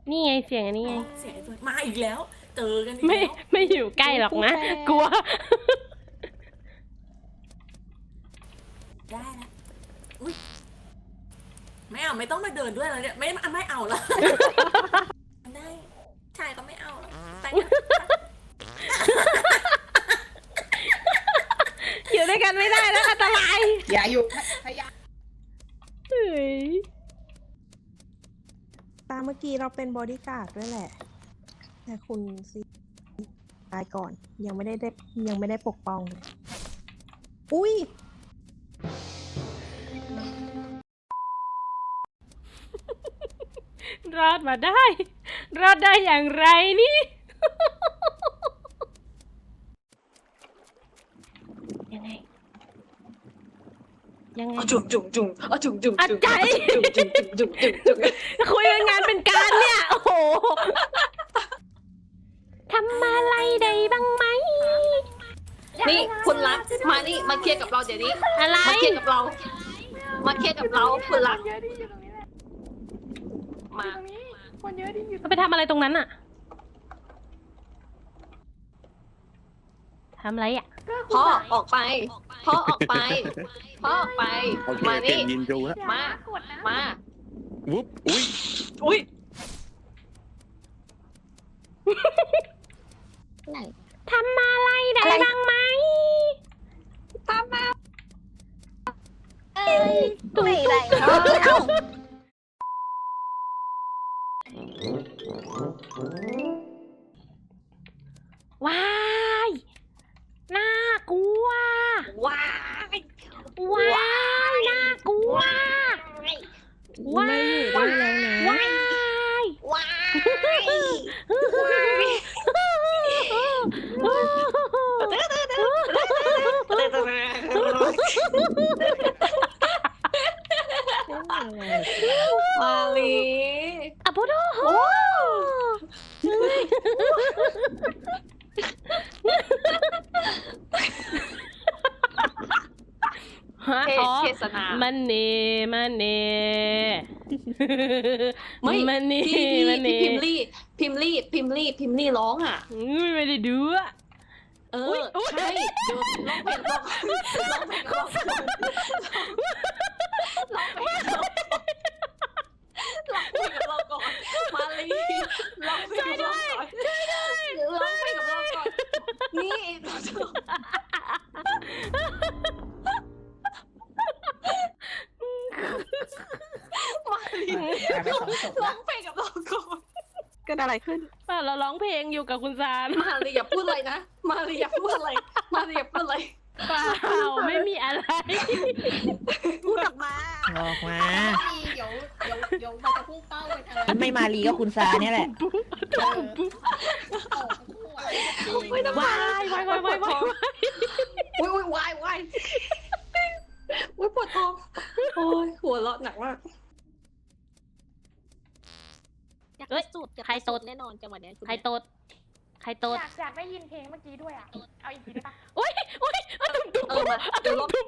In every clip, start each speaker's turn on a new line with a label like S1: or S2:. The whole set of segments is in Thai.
S1: นี่ไงเสียงอันนี้ไง
S2: เสียงไอ้ตัวมาอีกแล้วเจอกันอีก
S1: ไม่
S2: แล้ว
S1: ไม่อยู่ใกล้หรอกนะ กลัว
S2: ได้แล้วอุ้ยไม่เอาไม่ต้องมาเดินด้วยแล้วเนี่ยไม่เอาละได้ชายก็ไม่เอาแล้วไปกัน
S1: อยู่ด้วยกันไม่ได้แล้วอันตราย
S3: อย่าอยู่พยายาม
S1: เฮ้ย
S4: ตามเมื่อกี้เราเป็นบอดี้การ์ดด้วยแหละ แต่คุณซีตายก่อนยังไม่ได้ปกป้องเลยอุ้ย
S1: รอดมาได้ รอดได้อย่างไรนี่ ยังไง ยังไง
S2: จุ่มจุ่มจุ่มจุ่มจุ่ม
S1: อัดใจ
S2: จุ่มจุ่มจุ่มจุ่มจุ่มจุ่ม
S1: คุยกันงานเป็นการเนี่ย โอ้โหทำอะไรได้บ้างไหม
S5: นี่คุณรักมานี่มาเคลียร์กับเราเดี๋ยวนี้
S1: อะไร
S5: มาเคลียร์กับเรามาเคลียร์กับเราคุณรักมา
S1: ไปทำอะไรตรงนั้นอะทำอะไรอะ
S5: พ่อออกไปพ่อออกไปพ่อออกไป
S6: โอเค
S5: มา
S6: เปลี่
S5: นี่
S6: ยนยินดูแล้ว
S5: มามา
S6: วุ๊บอุ้ย
S5: อุ้ย
S1: ทำอะไรได้บ้างไหม
S5: ตามมา
S4: ไม่ไร
S1: ว้ายน่ากลัว
S5: ว้าย
S1: ว้ายน่ากลัวว้า
S4: ไม่
S1: ย
S4: อยู่ด้วยแล้วนะ
S1: ว้าย
S5: ว้ายมาลี
S1: อะพุโดโฮฮะอ๋อ
S5: เทศนา
S1: มันเนมันเน
S5: ไม่
S1: มันเน
S5: ที่
S1: มันเน
S5: พิมลี่ร้องอ่ะ
S1: ไม่ได้ดูอะ
S5: เออใช่เดี๋ยวร้องเพลงร้องเพลงกับเราก่อนมาลีร้องเพลงกับเราก่อนร้องเพลงกับเราก่อนนี่มาลี
S3: ไปสองศพ
S5: ร้อ
S3: ละ
S5: งเพลงกับเราก่อน
S4: เกิดอะไรขึ้น
S1: เราร้องเพลงอยู่กับคุณซาน
S5: มาลีอย่าพูดอะไรนะมาลีอย่าพูดอะไรมาลีอย่าพูดอะไร
S1: เปล่าไม่มีอะไร
S4: พูดออกมา
S3: ออกมา
S7: เดี๋ยวมันจะพุ่งเป้าไปทางนั้น
S3: ไม่มาลีก็คุณซาเนี่ยแหละ
S7: ตกคู่อะไรจริง
S5: ไม่ต้อง
S1: วายวายวายวายวาย
S5: อุ้ยวายอุ้ยปวดท้องโอ้ยหัวเราะหนักมาก
S1: เอ้ยใครตด
S8: แน่นอนจังหวะนี้
S1: ใครตดใครตด
S7: อยากได้ยินเพลงเมื่อกี้ด้วยอ่ะ เอาอีกทีได้ปะ
S1: อุ้ยอุ้ยอะตุ้มตุ้ม
S5: เออมาเดี๋ยวลอง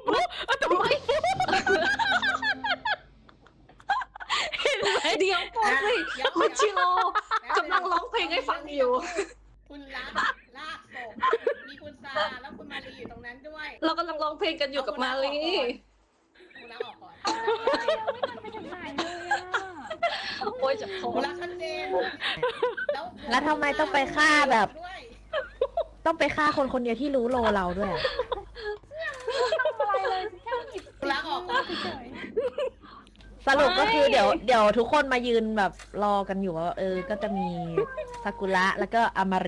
S5: เดี๋ยวก่อนสิคุณชิโร่กำลังร้องเพลงให้ฟังอยู่
S7: คุณรักลากศพมีคุณซาแล้วคุณมารีอยู่ตรงนั้นด้วย
S5: เรากำลังร้องเพลงกันอยู่กับมาลี
S7: คุณรักออกก่อน
S8: ไม่ทันไปถึงไหนเลยอ่ะ
S5: โอ้ยจะท้อ
S7: คุณ
S5: ง
S7: รักชัดเจน
S3: แล้วทำไมต้องไปฆ่าแบบ
S7: ด้วย
S3: ต้องไปฆ่าคนคนเดียวที่รู้โลเราด้วยอะ
S8: อะไรเลยแค่หยิบ
S7: คุณรักออกก่อน
S8: เฉย
S3: สรุปก็คือเดี๋ยวทุกคนมายืนแบบรอกันอยู่ว่าก็จะมีซากุระแล้วก็อามารี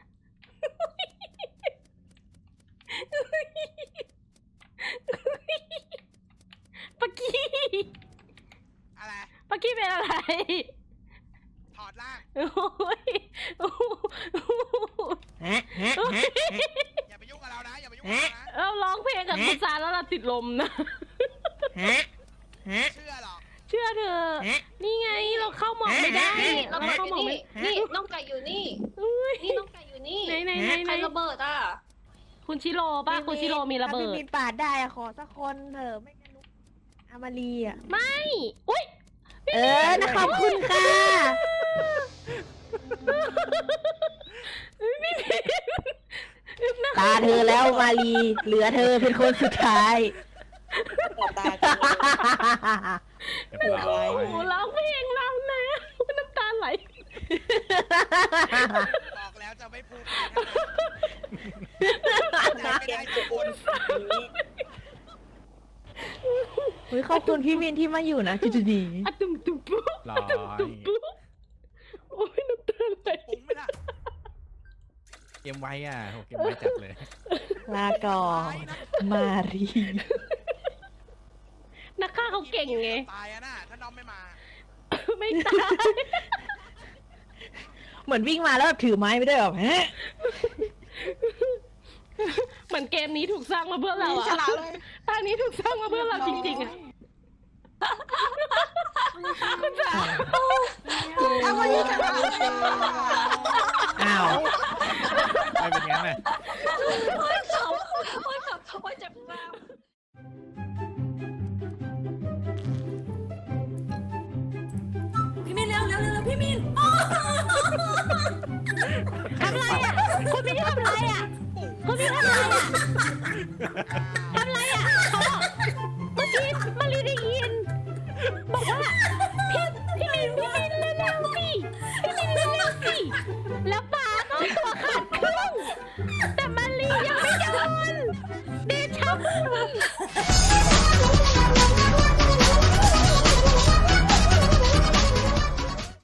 S1: ปักกี้
S9: อะไร
S1: ปักกี้เป็นอะไร
S9: ถอดล่าง
S1: โอ้ยโอ้ย
S3: ฮะ
S9: อย่าไปยุ่งกับเรานะ อย่าไปยุ่งกับเรานะ
S1: เราร้องเพลงกับคุณซานแล้วเราติดลมนะ
S3: ฮะ
S9: เชื่อหรอก
S1: เชื่อเธอ นี่ไงเราเข้าหมอกไม่ได้
S5: น้อง
S1: เรา
S5: ไก่
S1: เข้า
S5: อ
S1: หม
S5: ยู่
S1: อกไม่
S5: นี่นี่น้องไก่อยู่นี่
S1: อุ้ย
S5: นี่น้องไก่อยู่นี่
S1: ไหน
S5: ใครระเบิดอ่ะ
S1: คุณชิโร่ป่ะคุณชิโร่มีระเบิ
S3: ถ้า
S1: ด
S3: พี่มินปาดได้อะขอสักคนเถอะไม่งั้นรู้อามารีอะ
S1: ไม่อุ้ย
S3: นะขอบคุณค่ะมารีเหลือเธอเป็นคนสุดท้าย
S6: ตากัน
S10: เรียบร้อย
S1: โอ้โหร้องเพลงเรานะน้ำตาไหล
S9: บอกแล้วจะไม่พูดไม่ได้ทุกคน
S3: เฮ้ยขอบคุณพี่มินที่มาอยู่นะจุดนี้
S1: อะตุ่มตุ่มปุ๊บ
S10: ร้อ
S1: อะตุ่มตุ่ม
S10: ย
S1: ปุ๊บโอ้ยน้ำตาไหล
S9: ปุ้งไหมล่ะ
S10: เกมไว้อ่ะโหเกมไว้จัดเลย
S3: ลาก่อนมารี
S1: นักฆ่าเขาเก่งไง
S9: ตายอะน่ะถ้าน้องไม่มา
S1: ไม่ตาย
S3: เหมือนวิ่งมาแล้วแบบถือไม้ไม่ได้แบบฮะ
S1: เหมือนเกมนี้ถูกสร้างมาเพื่อเราอะตอนนี้ถูกสร้างมาเพื่อเราจริงๆอะคุณจ๋า
S3: อ้าว
S10: ไม่เป็นงั้นน่ะ
S5: โอ้ยขำโอ้ยขำโอ้ยเจ็บหน้า
S2: พี่มินเร็วเร็วเร็วพี่มิน
S3: ทำอะไรอ่ะคุณพี่ทำอะไรอ่ะคุณพี่ทำอะไรอ่ะท